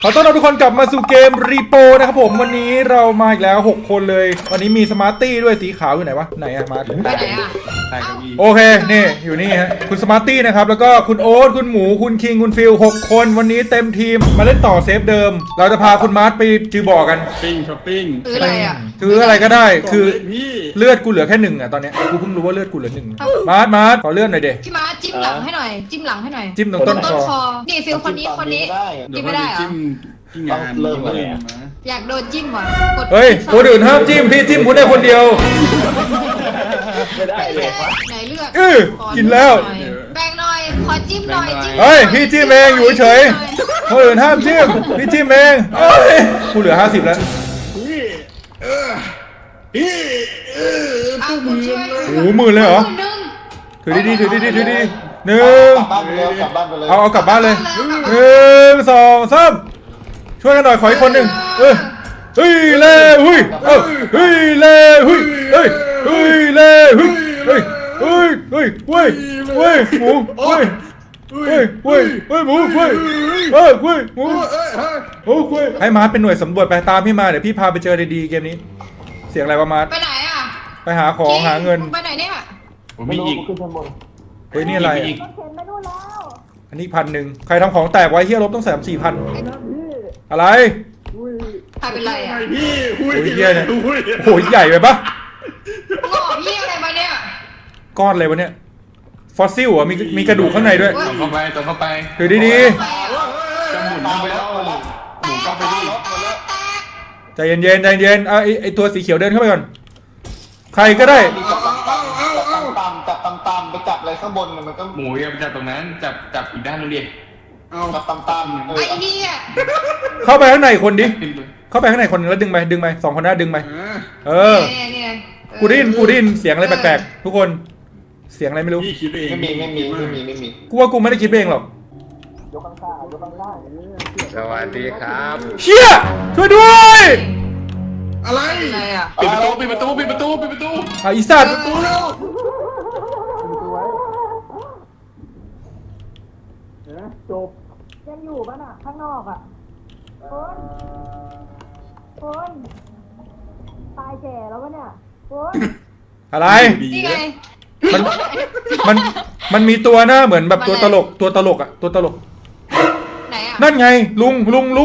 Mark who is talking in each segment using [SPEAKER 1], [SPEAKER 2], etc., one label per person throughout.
[SPEAKER 1] ขอต้อนรับทุกคนกลับมาสู่เกมรีโปนะครับผมวันนี้เรามาอีกแล้ว6คนเลยวันนี้มีสมาร์ตี้ด้วยสีขาวอยู่ไหนวะไหนอะมาร์ต
[SPEAKER 2] ไปไหนอ่ะ
[SPEAKER 3] ใต้เก้าอี้
[SPEAKER 1] โอเคนี่อยู่นี่ฮะคุณสมาร์ตี้นะครับแล้วก็คุณโอ๊ตคุณหมูคุณคิงคุณฟิล6คนวันนี้เต็มทีมมาเล่นต่อเซฟเดิม เราจะพาคุณมาร์ตไปจือบ่อกัน
[SPEAKER 3] ช้อปปิ้ง
[SPEAKER 2] ซื้ออะไรอ่ะ
[SPEAKER 1] คืออะไรก็ได้คือ
[SPEAKER 3] พี่
[SPEAKER 1] เลือดกูเหลือแค่1อ่ะตอนเนี้ยกูเพิ่งรู้ว่าเลือดกูเหลือ1มาร์ตขอเลือดหน่อยเด
[SPEAKER 2] พี่ม้าจิ้มหลังให้หน่อย จิ้มหลังให้หน่อย
[SPEAKER 1] จิ้มตรงต้นคอ
[SPEAKER 2] นี่ฟิลคนนี้จิ้มไม่ได้เหรอ
[SPEAKER 3] จิ้มที่งาน
[SPEAKER 4] เริ่มเลยอะ
[SPEAKER 2] อยากโดนจิ้มว่ะกด
[SPEAKER 1] เฮ้ยคนอื่นห้ามจิ้มพี่จิ้มคุณได้คนเดียว
[SPEAKER 4] ไม่ได้เลย
[SPEAKER 2] ไหนเลือด
[SPEAKER 1] กินแล้ว
[SPEAKER 2] แบ่งหน่อยขอจิ้มหน่อยจิ้ม
[SPEAKER 1] เฮ้ยพี่จิ้มเองอยู่เฉยคนอื่นห้ามจิ้มพี่จิ้มเองเอ้ยกูเหลือ50แล้ว
[SPEAKER 2] ตู้มือ
[SPEAKER 1] โอ้โหหมื่นเลยเหรอ
[SPEAKER 2] นึง
[SPEAKER 1] ถือดีๆถือดีๆถือดีๆหนึ่ง
[SPEAKER 4] กลับบ้านไปเลยกลับบ้านไปเลย
[SPEAKER 1] เอากลับบ้านเลย1 2 3ช่วยกันหน่อยขออีกคนหนึ่งเฮ้ยเล่หุ้ยเฮ้ยเล่หุ้ยเฮ้ยเล่หุ้ยเฮ้ยเว้ยหมูเว้ยหมูเว้ยหมูให้มาร์ทเป็นหน่วยสำรวจไปตามพี่มาเดี๋ยวพี่พาไปเจอดีๆเกมนี้เสียงอะไรวะมาร์ท
[SPEAKER 2] ไปไหนอ่ะ
[SPEAKER 1] ไปหาของหาเงิน
[SPEAKER 2] ไปไหนเนี่ย
[SPEAKER 3] ผมมีอีก
[SPEAKER 4] ขึ้นชั้นบน
[SPEAKER 1] เฮ้ยนี่อะไร
[SPEAKER 3] มีอีก
[SPEAKER 1] อันนี้1,000ใครทำของแตกไว้เฮียลบต้อง3-4,000อะไร
[SPEAKER 2] ใครเป็นไรอ่ะ
[SPEAKER 3] พี่
[SPEAKER 1] โอ้ยเฮียเนี่ยโอ้ยใหญ่ไปปะ
[SPEAKER 2] งอพี่อะไรมาเนี่ย
[SPEAKER 1] ก้อนอะไรวะเนี่ยฟอสซิลอ่ะมีกระดูกข้างในด้วย
[SPEAKER 3] ตรงเข้าไป
[SPEAKER 1] ถือดี
[SPEAKER 3] จะหมุนไปแล้วหมุนเข้าไปดิ
[SPEAKER 1] ๆใจเย็นเอาไอตัวสีเขียวเดินเข้าไปก่อนใครก็ได้
[SPEAKER 4] จับตามไปจับอะไรข้างบนมันก็
[SPEAKER 3] หมูอย่าไปจับตรงนั้นจับอีกด้านนึงดิเอา
[SPEAKER 4] จับตาม
[SPEAKER 2] ไอ้เหี้ย
[SPEAKER 1] เข้าไปข้างในคนดิ
[SPEAKER 3] ขึ้นไป
[SPEAKER 1] เข้าไปข้างในคนนึงแล้วดึงไป2 คนหน้าดึงไปเออ
[SPEAKER 2] เนี่ย
[SPEAKER 1] กูได้ยินเสียงอะไรแปลกๆทุกคนเสียงอะไรไม่รู้
[SPEAKER 3] พี่คิดเอง
[SPEAKER 4] ไม่มี
[SPEAKER 1] กูว่ากูไม่ได้คิดเองหรอก
[SPEAKER 5] สวัสดีครับ
[SPEAKER 1] เชี่ยช่วยด้วย
[SPEAKER 3] อะไร
[SPEAKER 2] อะไรอ่ะ
[SPEAKER 3] ปิดประตู
[SPEAKER 1] อ่ะอีสัตว์
[SPEAKER 3] ตู้แล้ว
[SPEAKER 6] ยังอยู่ป่ะน่ะ ข้างนอกอ่ะคนตายแก่แล้ววะเนี่ยคน
[SPEAKER 1] อะไร
[SPEAKER 2] นี่ไง
[SPEAKER 1] มันมีตัวหน้าเหมือนแบบตัวตลกอ่ะตัวตลก
[SPEAKER 2] ไหนอ่ะ
[SPEAKER 1] นั่นไงลุง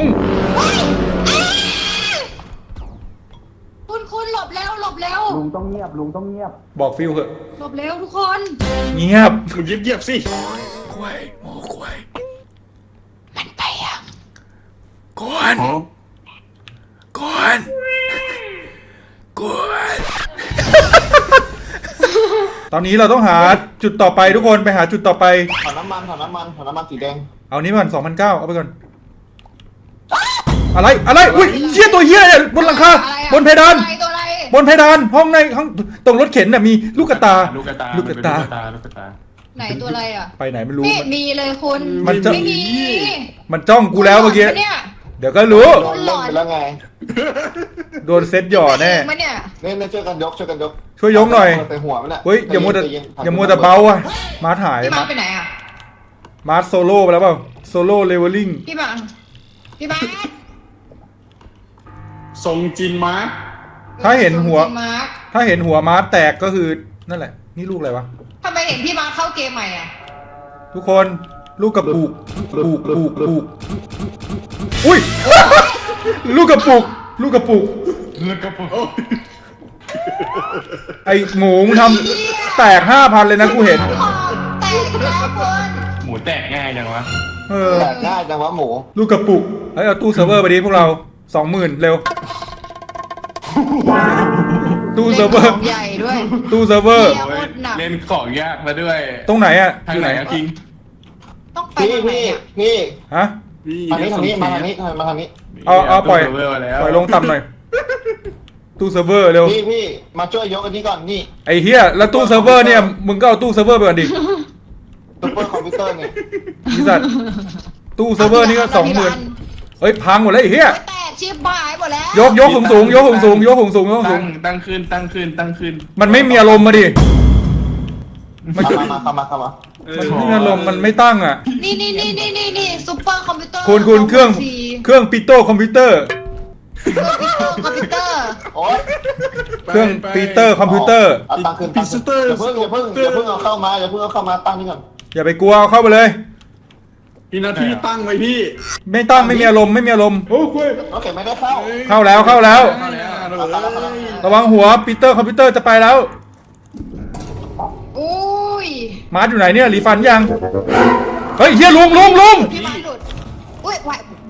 [SPEAKER 2] คุณหลบแล้ว
[SPEAKER 4] ลุงต้องเงียบลุงต้องเงียบ
[SPEAKER 1] บอกฟิลเหอะ
[SPEAKER 2] หลบแล้วทุกคน
[SPEAKER 1] เงียบ
[SPEAKER 3] มึงเยียบสิ
[SPEAKER 1] กล้วยหมูกล้วย
[SPEAKER 2] มันไปอ่ะ
[SPEAKER 1] ก่อนตอนนี้เราต้องหาจุดต่อไปทุกคนไปหาจุดต่อไป
[SPEAKER 4] ถอนน้ำมันสีแดง
[SPEAKER 1] เอานี้ก่อน2,900เอาไปก่อนอะไรอุ้ยเชี่ยตัวเหี้ยเนี่ยบนหลังคาบนเพดาน
[SPEAKER 2] ตัวอะไร
[SPEAKER 1] บนเพดานห้องในห้องตรงรถเข็นน่ะมีลูกกระตา
[SPEAKER 3] ลูกกระตา
[SPEAKER 2] ไหนตัวอะไรอ่ะ
[SPEAKER 1] ไปไหนไม่รู้
[SPEAKER 2] ไม่มีเลยคุณ
[SPEAKER 1] มันจะ
[SPEAKER 2] ไม่มี
[SPEAKER 1] มันจ้องกูแล้วเมื่อกี้
[SPEAKER 2] เนี่ย
[SPEAKER 1] เดี๋ยวก็รู้
[SPEAKER 4] โดนเล่นไปแล้วไง
[SPEAKER 1] โดนเซ็ตหย่อแน่
[SPEAKER 2] มันเนี่ย
[SPEAKER 4] เนี่ยช่วยกันยก
[SPEAKER 1] ช่วยยกหน่อย
[SPEAKER 4] ไปหัวมันอ่ะ
[SPEAKER 1] เฮ้ยอย่ามัวแต่เบาอ่ะมาร์ทหาย
[SPEAKER 2] พี่มาไปไหนอ่ะ
[SPEAKER 1] มาร์ทโซโล่ไปแล้วเปล่าโซโล่เลเวลลิ่ง
[SPEAKER 2] พี่มา
[SPEAKER 3] ทรงจินมาร์ค
[SPEAKER 1] ถ้าเห็นหัว
[SPEAKER 2] พี่มาร์ค
[SPEAKER 1] ถ้าเห็นหัวมาร์ทแตกก็คือนั่นแหละนี่ลูกอะไรวะ
[SPEAKER 2] ทำไมเห็นพี่มาร์คเข้าเกมใหม่อ่ะ
[SPEAKER 1] ทุกคนลูกกระปุกอุ้ย ลูกกระปุก
[SPEAKER 3] แล้วก็ปุ๊บ
[SPEAKER 1] ไอหมูมึงทำแตก 5,000เลยนะกูเห็น
[SPEAKER 2] แตกแล้วคน
[SPEAKER 3] หมูแตกง่ายจังวะ
[SPEAKER 1] เออ
[SPEAKER 4] แตกง่ายจังวะหมู
[SPEAKER 1] ลูกกระปุกเฮ้ยเอาตู้เซิร์ฟเวอร์ไปดิพวกเรา 20,000 เร็ว ตู้เซิร์ฟเวอร์
[SPEAKER 2] ใหญ่ด้วย
[SPEAKER 1] ตู้เซิร์ฟเวอร์
[SPEAKER 3] เล่นของยากมาด้วย
[SPEAKER 1] ตรงไหนอะ
[SPEAKER 3] ทางไหนอะคิง
[SPEAKER 2] ต้องไป
[SPEAKER 4] พี่
[SPEAKER 2] ทางไหนอ่ะ
[SPEAKER 1] ฮะ
[SPEAKER 4] ทางนี้มาทางนี้
[SPEAKER 1] เอาปล่อย
[SPEAKER 3] แล้ว
[SPEAKER 1] ปล่อยลงต่ำหน่อย ตู้เซิร์ฟเวอร์เร็ว
[SPEAKER 4] พี่มาช่วยยกอันนี้ก่อนนี่
[SPEAKER 1] ไอ้เฮียแล้วตู้เซิร์ฟเวอร์เนี่ยมึงก็เอาตู้เซิร์ฟเวอร์ไปก่อนดิ
[SPEAKER 4] ซุปเปอร์คอมพิวเตอร์เนี่ย
[SPEAKER 1] พี่สัตว์ตู้เซิร์ฟเวอร์นี่ก็20,000เฮ้ยพังหมดแล้วไอ้เฮีย
[SPEAKER 2] แตกชิบหายหมดแล้ว
[SPEAKER 1] ยกสูง
[SPEAKER 3] ตั้งขึ้น
[SPEAKER 1] มันไม่มีอารมณ์มาดิมัน
[SPEAKER 4] เข้ามาเข้ามา
[SPEAKER 1] มันนี่อารมณ์มันไม่ตั้งอ่ะ
[SPEAKER 2] นี่ซุปเปอร์คอมพิวเตอร์
[SPEAKER 1] คุณเครื่องปิโต้คอมพิวเตอร์
[SPEAKER 2] คอมพิวเตอร์
[SPEAKER 4] โอ๊ย
[SPEAKER 1] เครื่องปีเตอร์คอมพิวเตอร์
[SPEAKER 4] เอาตั้งขึ้นอย่าเพิ่งเอาเข้ามาอย่าเพิ่งเอาเข้ามาตั้งนี่ก่อน
[SPEAKER 1] อย่าไปกลัวเอาเข้าไปเลย
[SPEAKER 3] พี่นาทีตั้งไว้พี่
[SPEAKER 1] ไม่ตั้งไม่มีอารมณ์ไม่มีอารมณ์โอ้ย
[SPEAKER 4] โอเคไม่ได้เข้า
[SPEAKER 1] เข้าแล้ว
[SPEAKER 3] เข้าแล้ว
[SPEAKER 1] ระวังหัวปีเตอร์คอมพิวเตอร์จะไปแล้ว
[SPEAKER 2] อุ้ย
[SPEAKER 1] มาร์ทอยู่ไหนเนี่ยรีฟันยังเฮ้ยเฮียลุง
[SPEAKER 2] พี่มาหลุดอุ้ยไหว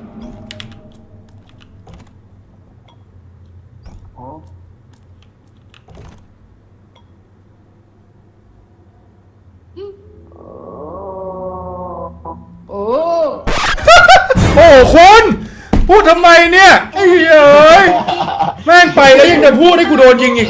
[SPEAKER 2] โอ้
[SPEAKER 1] โอ้คุณพูดทำไมเนี่ยไอ้เหี้ยเอ้ยแม่งไปแล้วยังจะพูดให้กูโดนยิงอีก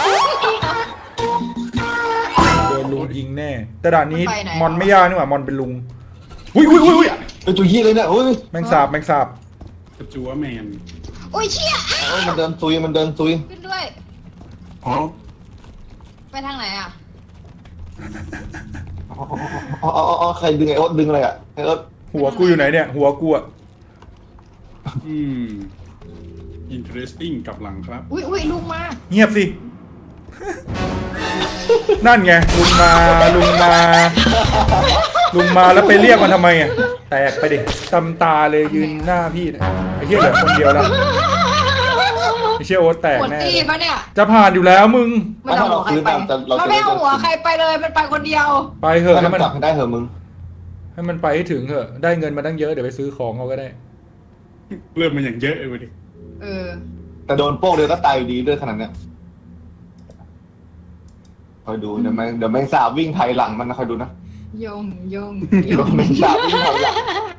[SPEAKER 1] โดนลุงยิงแน่แต่ด่านนี้มอนไม่ยากนี่หว่ามอนเป็นลุงอุ้ย
[SPEAKER 4] เป็นจุยี่เลยเนี่ยโอ้ย
[SPEAKER 1] แมงสาบ
[SPEAKER 3] กระจัวแมน
[SPEAKER 2] โอ้ยเชี่ย
[SPEAKER 4] มันเดินซุย
[SPEAKER 2] ขึ้นด้วย
[SPEAKER 3] อ๋อ
[SPEAKER 2] ไปทางไหนอ่ะ
[SPEAKER 4] อ๋อใครดึงไอ้โอ๊ตดึงอะไรอ่ะไอ้โอ๊ต
[SPEAKER 1] หัวกูอยู่ไหนเนี่ยหัวกูอะ
[SPEAKER 3] interesting กับหลังครับ
[SPEAKER 2] อุ้ยลุงมา
[SPEAKER 1] เงียบสิ นั่นไงลุงมาแล้วไปเรียกมันทำไมอ่ะแตกไปดิตำตาเลยยืนหน้าพี่เนี่ยไอ้เหี้ยเหลือคนเดียวแล้วไอ้เชี่ยโอ๊ตแตก
[SPEAKER 2] หมด
[SPEAKER 1] แน่
[SPEAKER 2] ตีปะเนี่ย
[SPEAKER 1] จะผ่านอยู่แล้วมึง
[SPEAKER 2] มันเอาหัวใครไปมันไม่เอาหัวใครไปเลยมันไปคนเดียว
[SPEAKER 1] ไปเถอะ
[SPEAKER 4] ให้
[SPEAKER 1] ให้
[SPEAKER 4] มั
[SPEAKER 1] มัน น
[SPEAKER 4] จับให้ได้เหอะมึง
[SPEAKER 1] ให้มันไปให้ถึงเถอะได้เงินมาตั้งเยอะเดี๋ยวไปซื้อของเอาก็ได้
[SPEAKER 3] เริ่มมันอย่างเยอะเลยดิ
[SPEAKER 2] เออ
[SPEAKER 4] แต่โดนโป้งเดียวก็ตายอยู่ดีด้วยขนาดเนี้ยคอยดูเดี๋ยวแมงสาบวิ่งไถหลังมันนะคอยดูนะ
[SPEAKER 2] ยง
[SPEAKER 4] เดี๋ยวแมงสาบวิ่งไถหลัง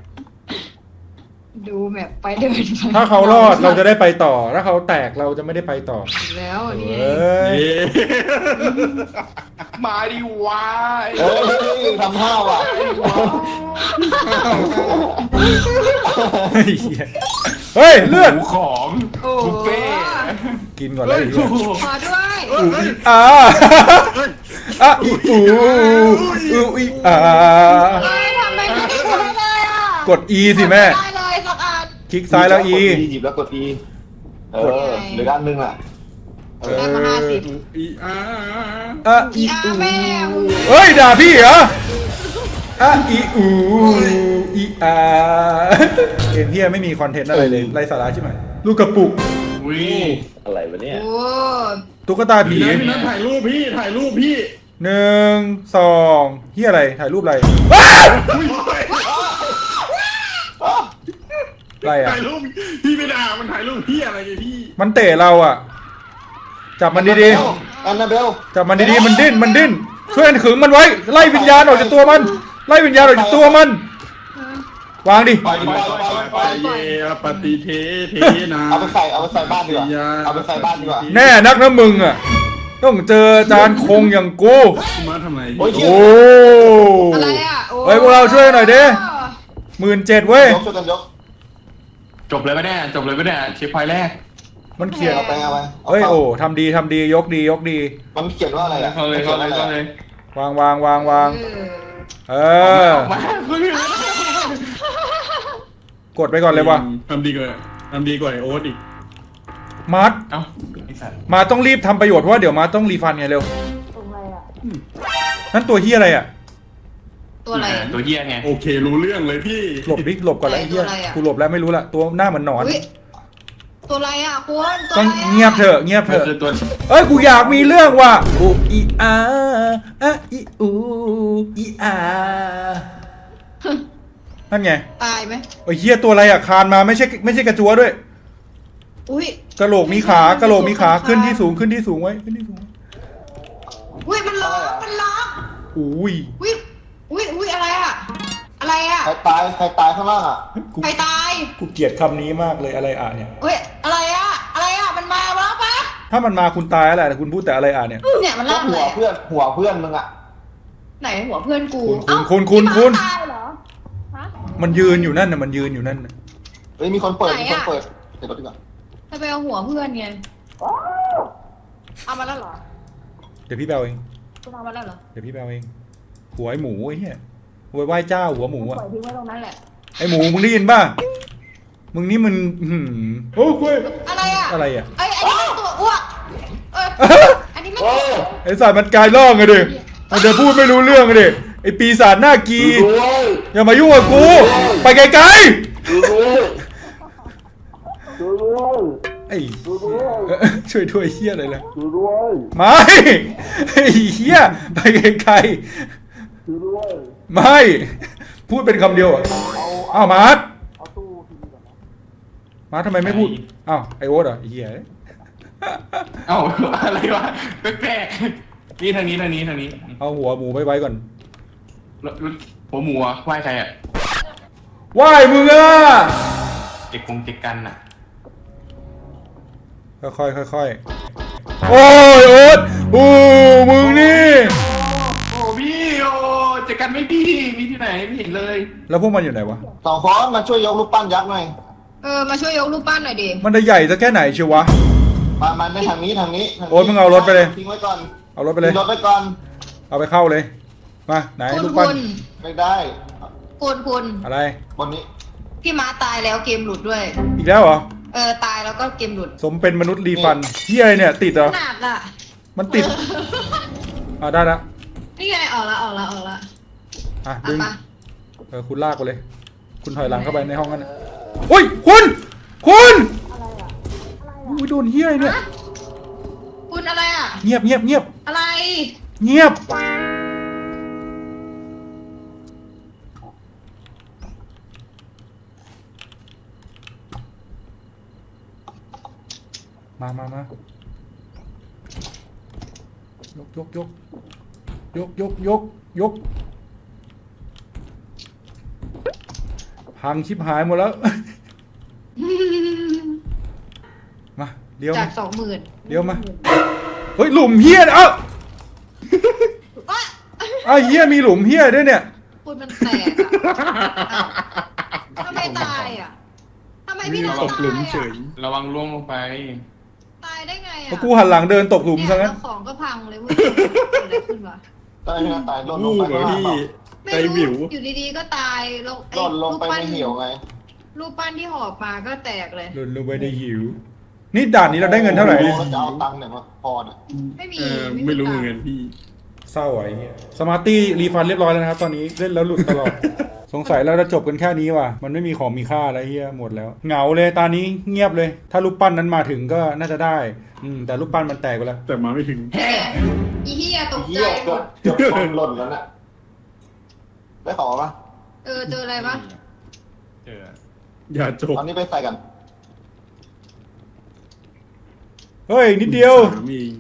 [SPEAKER 2] ดูแบบไปเดินไป
[SPEAKER 1] ถ้าเขารอดเราจะได้ไปต่อถ้าเขาแตกเราจะไม่ได้ไปต่อ
[SPEAKER 2] แล้วนี่
[SPEAKER 1] เอ้ย
[SPEAKER 3] มาดิวาย
[SPEAKER 4] เอ้ยทำห้าวอ่ะ
[SPEAKER 1] เฮ้ยเลือด
[SPEAKER 3] หมูของ
[SPEAKER 2] โอ้
[SPEAKER 3] บุฟเฟ่
[SPEAKER 1] กินก่อนเลย
[SPEAKER 2] มาด้วย
[SPEAKER 1] อ่าอ่ะอีอีอ่า
[SPEAKER 2] ทำไมไม่ได้ใช้เลยอ่ะ
[SPEAKER 1] กด E สิแม่
[SPEAKER 2] ได้เลยสักอัน
[SPEAKER 1] คลิกซ้ายแล้ว E
[SPEAKER 4] หยิบแล้วกด E เหลือด้านนึงอ่ะ
[SPEAKER 2] ได้มา50
[SPEAKER 3] อีอา
[SPEAKER 1] อ่ะอี
[SPEAKER 2] อีอาแม่
[SPEAKER 1] เฮ้ยด่าพี่เหรออ่ะอีอีอาเกมพี่ไม่มีคอนเทนต์อะไรเลยไรสาระใช่ไหมลูกกระปุก
[SPEAKER 3] วิ
[SPEAKER 5] อะไรวะเนี่ย
[SPEAKER 2] โอ้
[SPEAKER 1] ตุ๊กตาผี
[SPEAKER 3] พี่นัทถ่ายรูปพี่
[SPEAKER 1] 1 2เฮียอะไรถ่ายรูปอะไรอะไรอ่ะ
[SPEAKER 3] ถ่ายรูปพี่ไม่ด่ามันถ่ายรูปพี่อะไรเนี่ยพี่
[SPEAKER 1] มันเตะเราอ่ะจับมันดี
[SPEAKER 4] แอนนาเบล
[SPEAKER 1] ๆจับมันดีๆมันดิ้นช่วยกันขึงมันไว้ไล่วิญญาณออกจากตัวมันไล่วิญญาณออกจากตัวมันวางดิ
[SPEAKER 4] ไป
[SPEAKER 3] เยปฏิเทนา
[SPEAKER 4] เอาไปใส่บ้านดีกว่าเอาไปใส่บ้านดีกว่า
[SPEAKER 1] แน่นักนะมึงอ่ะต้องเจอจานคงอย่างกู
[SPEAKER 3] มาทำไม
[SPEAKER 4] โอ้ย
[SPEAKER 1] โอ้
[SPEAKER 2] อะไรอ่ะ
[SPEAKER 1] เฮ้ยพวกเราช่วยหน่อยดิ17,000เว้ย
[SPEAKER 4] ช่วยกันยก
[SPEAKER 3] จบเลยไหมเนี่ยเช็คไฟแรก
[SPEAKER 1] มันเขียน
[SPEAKER 4] เอาไป
[SPEAKER 1] เฮ้ยโอ้ทำดียกดี
[SPEAKER 4] มันเขียนว่าอะไรอ่ะ
[SPEAKER 3] เข้าเลยว
[SPEAKER 1] างเออ
[SPEAKER 3] มาคุณพี่
[SPEAKER 1] กดไปก่อนเลยว่ะ
[SPEAKER 3] ทำดีกว่าไอโอ๊ตอีก
[SPEAKER 1] มาร์ท
[SPEAKER 3] เอ้าไอสัตว์
[SPEAKER 1] มาต้องรีบทำประโยชน์เพราะว่าเดี๋ยวมาต้องรีฟันไงเร็ว
[SPEAKER 6] ตรงอะไรอ่ะ
[SPEAKER 1] นั่นตัวเฮียอะไรอ่ะ
[SPEAKER 2] ตัวอะไร
[SPEAKER 3] ตัวเฮียไงโอเครู้เรื่องเลยพี่
[SPEAKER 1] หลบก่อนแล้วไอ้เฮีย
[SPEAKER 2] ตัวอะไรอะ
[SPEAKER 1] กูหลบแล้วไม่รู้ละตัวหน้าเหมือนหนอน
[SPEAKER 2] อุ๊ยตัวอะไรอ่ะคุณตัว
[SPEAKER 1] ต้อง
[SPEAKER 2] อะไรอ่ะ
[SPEAKER 1] เงียบเถอะ
[SPEAKER 3] มันคือตัว
[SPEAKER 1] เอ้ยกูอยากมีเรื่องว่ะอูอีอาอะอีอูอีอานั่นไง
[SPEAKER 2] ตายไหม
[SPEAKER 1] ไอ้เฮียตัวอะไรอ่ะคานมาไม่ใช่กระจัวด้วย
[SPEAKER 2] อุ้ย
[SPEAKER 1] กระโหลกมีขาขึ้นที่สูงไว้ขึ้นที่สูง
[SPEAKER 2] อุ้ยมันล็อก
[SPEAKER 1] อุ้ย
[SPEAKER 2] อุ้ยอะไรอ่ะ
[SPEAKER 4] ใครตายข้างล่างอ่ะ
[SPEAKER 1] กู
[SPEAKER 2] ใครตาย
[SPEAKER 1] กูเกลียดคำนี้มากเลยอะไรอ่ะเนี่ย
[SPEAKER 2] เฮ้ยอะไรอ่ะมันมาแล้วปะ
[SPEAKER 1] ถ้ามันมาคุณตายแล้วแหละแต่คุณพูดแต่อะไรอ่ะเนี่ย
[SPEAKER 2] เนี่ยมันล่าง
[SPEAKER 4] หั
[SPEAKER 2] เล
[SPEAKER 4] วย เพื่อนมึงอ่ะ
[SPEAKER 2] ไหนหัวเพื่อนกู
[SPEAKER 1] คุณ
[SPEAKER 2] พี่มาตายเหรอ
[SPEAKER 6] ฮะ
[SPEAKER 1] มันยืนอยู่นั่นน่ะมันยืนอยู่นั่นน่ะ
[SPEAKER 4] เฮ้ยมีคนเปิดเดี๋ยวรถดีกว่า
[SPEAKER 2] ถ้าไปเอาหัวเพื่อนไงเอามาแล้วเหรอ
[SPEAKER 1] เดี๋ยวพี่แบลเอง
[SPEAKER 2] คุณเอามาแล้วเหรอ
[SPEAKER 1] เดี๋ยวพี่แบลเองหัวไอ้หมูไอ้เหี้ยหัวไหว้เจ้าหัวหมู
[SPEAKER 2] ป
[SPEAKER 1] อะ
[SPEAKER 2] ล่อยทิ้งไว้ตรงนั้นแหละ
[SPEAKER 1] ไอ้หมูมึงได้ยินป่ะมึงนี่มันโอ้คุย
[SPEAKER 2] อะไรอ่ะ
[SPEAKER 1] อะไรอะ
[SPEAKER 2] ไอ้ยอันนี้มันตัวอ้วกอันนี้มัน
[SPEAKER 1] ไอ้สัตว์มันกลายร่องอะดิมันจะพูดไม่รู้เรื่องอะดิไอ้ปีศาจหน้ากีอย่ามายุ่งกับกูไปไกลๆไอ้ช่วยด้วยเฮียอะไรล่ะไม่ไอ้เฮียไปไกลๆไม่พูดเป็นคำเดียวอ่ะอ้าวมาร์ททำไมไม่พูดอ้าวไอโอ๊ตเหรอไอ้เฮีย
[SPEAKER 3] เอ้าอะไรวะแปลกๆนี่ทางนี้
[SPEAKER 1] เอาหัวหมูไปไว้ก่อน
[SPEAKER 3] แล้วหัวหมูอะไหว้ใครอะ
[SPEAKER 1] ไหว้มึงอ่ะ
[SPEAKER 3] เจ็กกันอะ
[SPEAKER 1] ค่อยโอ้ยโอ๊ตโอ้มึงนี่
[SPEAKER 3] โอ้พี่โอ้เจ็กกันไม่พี่มีที่ไหนไม่เห็นเลย
[SPEAKER 1] แล้วพวกมันอยู่ไหนวะ
[SPEAKER 4] สองคนมาช่วยยกรูปปั้นยักษ์หน่อย
[SPEAKER 2] มาช่วยยกรูปปั้นหน่อยดิ
[SPEAKER 1] มันจะใหญ่สักแค่ไหนเชียววะ
[SPEAKER 4] มาไม่ทางนี้
[SPEAKER 1] โอ๊ยมึงเอารถไปเลย
[SPEAKER 4] ทิ้งไว้ก่อน
[SPEAKER 1] เอารถไปเลย
[SPEAKER 4] ทิ้งรถไว้ก่อน
[SPEAKER 1] เอาไปเข้าเลยมาไหน
[SPEAKER 2] คุณ
[SPEAKER 1] ลูกปั้น
[SPEAKER 4] ไม่ได้
[SPEAKER 2] คุณ
[SPEAKER 1] อะไร
[SPEAKER 4] บนนี้
[SPEAKER 2] พี่ม้าตายแล้วเกมหลุดด้วย
[SPEAKER 1] อีกแล้วเหรอ
[SPEAKER 2] ตายแล้วก็เกมหลุด
[SPEAKER 1] สมเป็นมนุษย์รีฟันเฮียอะไรเนี่ยติดเหรอ
[SPEAKER 2] หนักอ่ะ
[SPEAKER 1] มันติดได้ละ
[SPEAKER 2] นี่ไงออกละ
[SPEAKER 1] ดึง
[SPEAKER 2] ปะ
[SPEAKER 1] คุณลากไปเลย คุณถอยหลังเข้าไปในห้องนั้นโอ้ยคุณอุ้ยโดนเฮียอะไรเนี่ย
[SPEAKER 2] คุณอะไรอ่ะ
[SPEAKER 1] เงียบ
[SPEAKER 2] อะไร
[SPEAKER 1] เงียบมายกพังชิบหายหมดแล้ว มาเดี๋ยว
[SPEAKER 2] จาก 20,000
[SPEAKER 1] เดี๋ยวมาเฮ้ยหลุมเฮียเอ้าเฮียมีหลุมเฮียด้วยเนี่ย
[SPEAKER 2] คุณมันแตกอ่ะทำไมตายอ่ะทำไมพี่
[SPEAKER 3] ระ
[SPEAKER 2] เรา
[SPEAKER 3] วัง
[SPEAKER 2] ตายอ่ะ
[SPEAKER 3] ระวังล่วงลงไป
[SPEAKER 2] ตายได้ไง
[SPEAKER 1] เพ
[SPEAKER 2] อ่ะ
[SPEAKER 1] ราะกูหันหลังเดินตกหลุมซะงั้น
[SPEAKER 2] แล้วของก็พังเลยเว้ยเกิดอะไรขึ้นวะ
[SPEAKER 4] ตายนะตายหล่นลงไปข้างล่างเปล่า
[SPEAKER 2] ไม่รู้อยู่ดีๆก็ตายลง
[SPEAKER 4] หล่นลงไปในเหวไง
[SPEAKER 2] รูปปั้นที่หอบมาก็แตกเลย
[SPEAKER 1] หลุนลงไปในหิว นี่ด่านนี้เราได้เงินเท่าไหร่
[SPEAKER 4] แล้วจะเอาตังค์เนี่ยมาพอเนี่ย
[SPEAKER 2] ไม่มี
[SPEAKER 3] ไม่รู้เหมือนกันพี่
[SPEAKER 1] เศร้าไอ้เงี้ยสมาร์ตี้รีฟันเรียบร้อยแล้วนะครับตอนนี้เล่นแล้วหลุดตลอด สงสัยเราจะจบกันแค่นี้ว่ะมันไม่มีของมีค่าอะไรเฮียหมดแล้วเหงาเลยตอนนี้เงียบเลย ถ้ารูปปั้นนั้นมาถึงก็น่าจะได้แต่รูปปั้นมันแตกไปแล้ว
[SPEAKER 3] แต่มาไม่ถึง
[SPEAKER 2] อีเฮียตก
[SPEAKER 4] เหี้
[SPEAKER 2] ใจ
[SPEAKER 4] ย
[SPEAKER 2] หมด
[SPEAKER 4] เกือบหล่นแล้วน่ะได้ของปะ
[SPEAKER 2] เจออะไรปะ
[SPEAKER 3] เจอ
[SPEAKER 7] อย่าจบ
[SPEAKER 4] ตอนนี้ไปใส่กัน
[SPEAKER 1] เฮ้ยนิดเดียว
[SPEAKER 7] สามเอง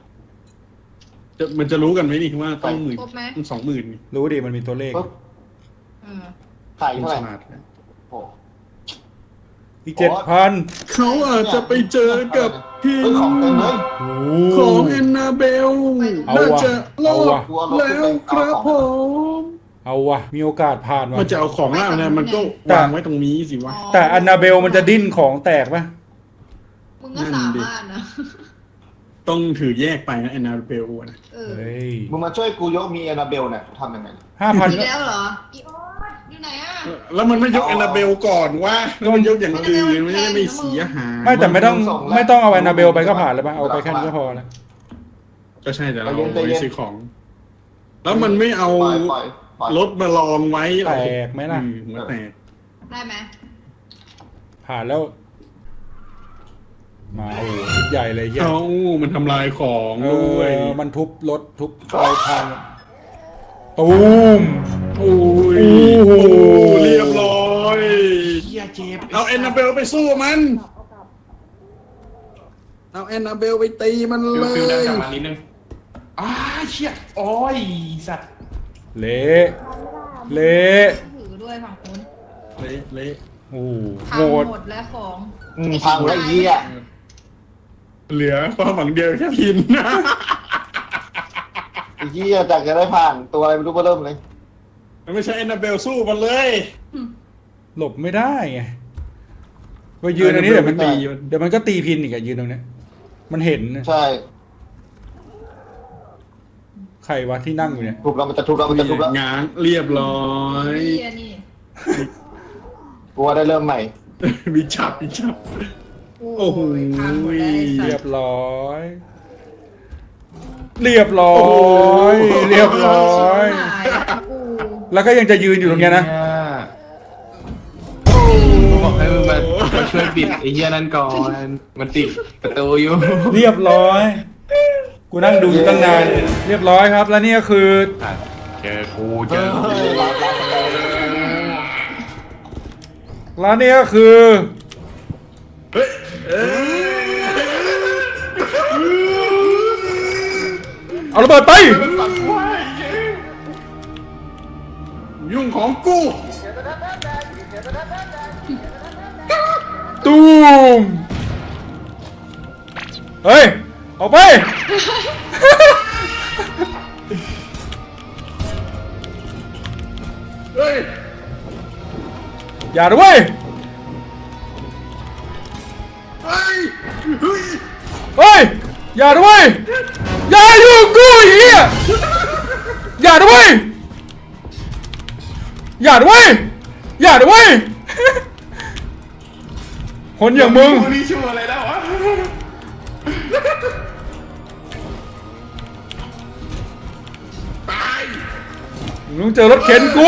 [SPEAKER 7] มันจะรู้กันไหมนี่ว่าต้องหมื่น
[SPEAKER 2] ครบไหม
[SPEAKER 7] ต้อง20,000นี่
[SPEAKER 1] รู้ดิมันมีตัวเลข
[SPEAKER 4] ปุ๊บ
[SPEAKER 2] อืม
[SPEAKER 4] ไข่
[SPEAKER 7] คุณ
[SPEAKER 4] เท่าไห
[SPEAKER 7] ฉ
[SPEAKER 4] ร่
[SPEAKER 7] ลาดนะ
[SPEAKER 4] โอ้
[SPEAKER 1] อีก7,000
[SPEAKER 7] เขาอาจจะไปเจอกับพี่
[SPEAKER 4] เฮ้ยของเต็มเลย
[SPEAKER 1] โอ้
[SPEAKER 7] ของแอนนาเบล
[SPEAKER 1] เอา
[SPEAKER 7] น่า
[SPEAKER 1] ว่ะ
[SPEAKER 7] จะรอ
[SPEAKER 1] เอา
[SPEAKER 7] ด
[SPEAKER 1] ว่ะ
[SPEAKER 7] แล้วครับผม
[SPEAKER 1] เอาวะมีโอกาสผ่านวะ
[SPEAKER 7] มันจะเอาของล่างนะมันก็วางไว้ตรงนี้สิวะ
[SPEAKER 1] แต่อันนาเบลมันจะดิ้นของแตกปะ
[SPEAKER 2] มึงก็สามารถนะ
[SPEAKER 7] ต้องถือแยกไปนะแอนนาเบลนะ
[SPEAKER 1] เฮ้ย
[SPEAKER 4] มึงมาช่วยกูยกมีแอนนาเบลเนี่ยทำยังไง
[SPEAKER 1] 5,000
[SPEAKER 2] อีก
[SPEAKER 1] ก็
[SPEAKER 2] แล้วเหรออีโอ๊ตอยู่ไหนอ่ะ
[SPEAKER 7] แล้วมันไม่ยกแอนนาเบลก่อนวะแล้วมันยกอย่างอื่นมันจะได้ไม่เสียหาย
[SPEAKER 1] ไม่แต่ไม่ต้องเอาแอนนาเบลไปก็ผ่านเลยปะเอาไปแค่นี้ก็พอแล้ว
[SPEAKER 7] ก็ใช่แต่เราเอาไว้ซื้อของ แล้วมันไม่เอา
[SPEAKER 4] ปล่อย
[SPEAKER 7] รถมาลองไว้
[SPEAKER 1] แตกไหมล่ะ
[SPEAKER 7] หัวแตก
[SPEAKER 2] ได้ไหม
[SPEAKER 1] ผ่านแล้ว มาโอ้โหชุดใหญ่เลยเฮีย
[SPEAKER 7] เขามันทำลายของด้วย
[SPEAKER 1] มันทุบรถทุบอะไรพังตูม
[SPEAKER 7] โอ้ย
[SPEAKER 1] โอ้โห
[SPEAKER 7] เรียบร้อย
[SPEAKER 3] เฮียเจ็บ
[SPEAKER 7] เอาแอนนาเบลไปสู้มัน เอาแอนนาเบลไปตีมันเล
[SPEAKER 3] ฟิลดัน
[SPEAKER 7] ย
[SPEAKER 3] กลับมานิดนึงเชี่ยโอ้ยสัตว์
[SPEAKER 1] เละเละ
[SPEAKER 2] ถือด้วยฝั่งนู้น
[SPEAKER 7] เละ
[SPEAKER 1] โอ้โห
[SPEAKER 2] พั
[SPEAKER 1] โห
[SPEAKER 2] ง
[SPEAKER 1] ด
[SPEAKER 2] หมดแล้วของ
[SPEAKER 4] พังแล้วเหี้ย
[SPEAKER 7] เหลือความหวังเดียวแค่พิน
[SPEAKER 4] ไอ้เหี้ยจากจะได้ผ่านตัวอะไรไม่รู้เริ่มเลย
[SPEAKER 7] มันไม่ใช่แอนนาเบลสู้มันเลย
[SPEAKER 1] หลบไม่ได้ไงไปยืนอันนี้เดี๋ยวมัน
[SPEAKER 7] ตี
[SPEAKER 1] เดี๋ยวมันก็ตีพินอีกอะยืนตรงเนี้ยมันเห็นนะ
[SPEAKER 4] ใช่
[SPEAKER 1] ใครวะที่นั่งอยู่เนี่ย
[SPEAKER 4] ทุบแล้วมันจะทุบแล้วมันจะทุบแล้ว
[SPEAKER 7] ง้างเรียบร้อย
[SPEAKER 2] นี่อันนี้
[SPEAKER 4] กูว่าได้เริ่มใหม่
[SPEAKER 7] มีฉับ โอ้โห
[SPEAKER 2] พังหมดแล้วไอ้สั
[SPEAKER 1] เรีย
[SPEAKER 2] ต
[SPEAKER 1] บ
[SPEAKER 2] ว์
[SPEAKER 1] ร้อย เรียบร้อย เรียบร้อย
[SPEAKER 2] หายแล้วกู
[SPEAKER 1] แล้วก็ยังจะยืนอยู่ตรงเนี้ยนะ
[SPEAKER 3] กูบอกให้มึงมาช่วยปิดไอ้เหี้ยนั่นก่อน มันติดประตูอยู่
[SPEAKER 1] เรียบร้อย กูนั่งดูอยู่ตั้งนาน เรียบร้อยครับ แล้วนี่ก็คือ
[SPEAKER 3] เจอกูเจอกู
[SPEAKER 1] แล้วนี่ก็คือ เอาระเบิดไป
[SPEAKER 7] ยุ่งของกู
[SPEAKER 1] ตูม เฮ้ย ออกไป
[SPEAKER 7] เฮ้ย
[SPEAKER 1] อย่าด้วย
[SPEAKER 7] เฮ้ยเฮ้ย
[SPEAKER 1] เฮ้ย อย่าด้วย อย่าอยู่งกูไอ้เหี้ยอย่าด้วย อย่าด้วย อย่าด้วย คนอย่างมึง
[SPEAKER 3] กูนี่ชั่วอะไรแล้ววะ
[SPEAKER 7] ตาย
[SPEAKER 1] มึงเจอรถเข็นกู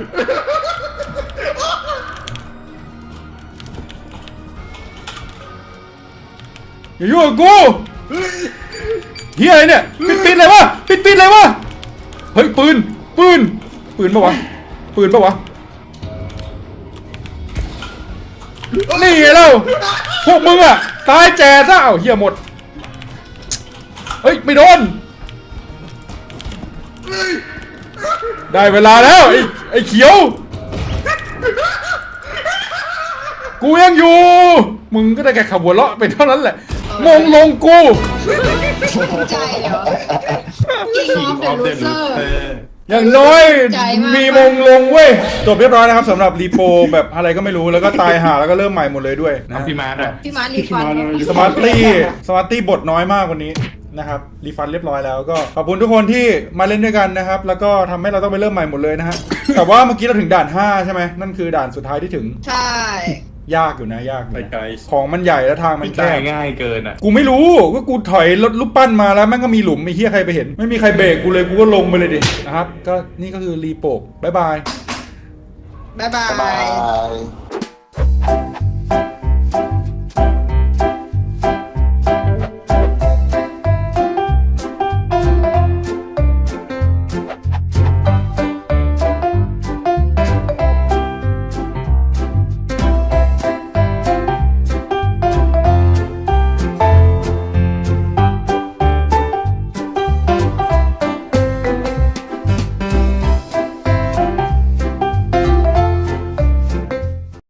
[SPEAKER 1] อย่ายุ่งกับกู
[SPEAKER 7] เฮ้ย
[SPEAKER 1] เฮียอะไรเนี่ยปิดเลยวะปิดเลยวะเฮ้ยปืนปะวะปืนปะวะนี่ไงเล่าพวกมึงอะตายแจซะเอ้าเฮียหมดเฮ้ยไม่โดนได้เวลาแล้วไอ้เขียวกูยังอยู่มึงก็ได้แค่ขับหัวเราะไปเท่านั้นแหละมงลงกู
[SPEAKER 2] ภูมิใจเหรอ King of the Loser
[SPEAKER 1] อย่างน้อย
[SPEAKER 2] ใจมาก
[SPEAKER 1] มีมงลงเว้ยจบเรียบร้อยนะครับสำหรับรีโปแบบอะไรก็ไม่รู้แล้วก็ตายหาแล้วก็เริ่มใหม่หมดเลยด้วยนะ
[SPEAKER 3] น้ำพี่มาร์ทอะ
[SPEAKER 2] พี่มาร์ทรีฟัน
[SPEAKER 1] สมาร์ตี้บทน้อยมากวันนี้นะครับรีฟันเรียบร้อยแล้วก็ขอบคุณทุกคนที่มาเล่นด้วยกันนะครับแล้วก็ทำให้เราต้องไปเริ่มใหม่หมดเลยนะฮะ แต่ว่าเมื่อกี้เราถึงด่าน 5 ใช่ไหมนั่นคือด่านสุดท้ายที่ถึง
[SPEAKER 2] ใช่
[SPEAKER 1] ยากอยู่นะยากอยู่
[SPEAKER 7] ไป
[SPEAKER 1] นะ
[SPEAKER 7] ไกล
[SPEAKER 1] ของมันใหญ่แล้วทางมัน
[SPEAKER 3] พี่
[SPEAKER 1] แค
[SPEAKER 3] ตาย
[SPEAKER 1] บ
[SPEAKER 3] ง่ายเกินอ่ะ
[SPEAKER 1] กูไม่รู้ก็กูถอยรถลูกปั้นมาแล้วแม่งก็มีหลุมมีเฮียใครไปเห็น ไม่มีใครเบรกกูเลยกูก็ลงไปเลยดินะครับก็นี่ก็คือรีโปกบ๊ายบาย
[SPEAKER 2] บ๊ายบา
[SPEAKER 4] บ๊ายบาย ย